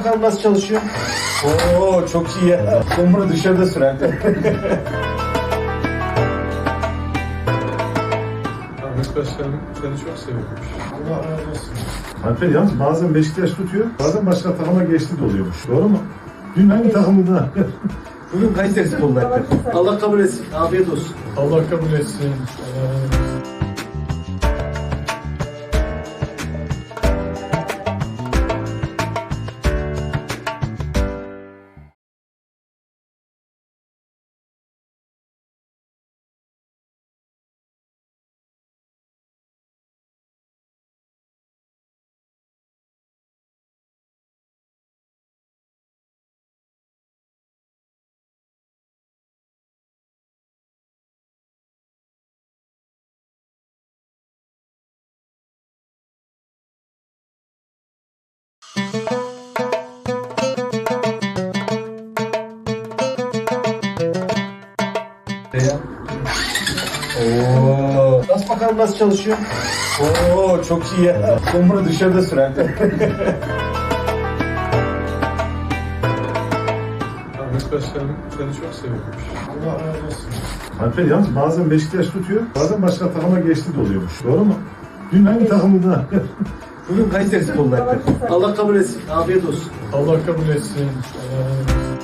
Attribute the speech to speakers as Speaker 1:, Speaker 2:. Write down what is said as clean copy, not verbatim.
Speaker 1: bakalım nasıl çalışıyor. Oo çok iyi ya. Ben bunu dışarıda sürer.
Speaker 2: Ahmet Başkanım seni çok seviyormuş.
Speaker 1: Allah razı olsun.
Speaker 3: Alper yalnız bazen Beşiktaş tutuyor, bazen başka takıma geçti de oluyormuş. Doğru mu? Dün hangi takımda?
Speaker 1: Bugün Kayseri Spor'da Alper. Allah kabul etsin. Afiyet olsun.
Speaker 2: Allah kabul etsin.
Speaker 1: Oo. Nasıl bakalım nasıl çalışıyor. Oo çok iyi ya. Ben bunu dışarıda sürer.
Speaker 2: Ahmet Başkanım seni çok seviyormuş.
Speaker 1: Allah razı olsun.
Speaker 3: Alper yalnız bazen Beşiktaş tutuyor, bazen başka takıma geçti de oluyormuş. Doğru mu? Dün hangi takımda?
Speaker 1: Bugün Kayseri Spor'da Alper. Allah kabul etsin. Afiyet olsun.
Speaker 2: Allah kabul etsin.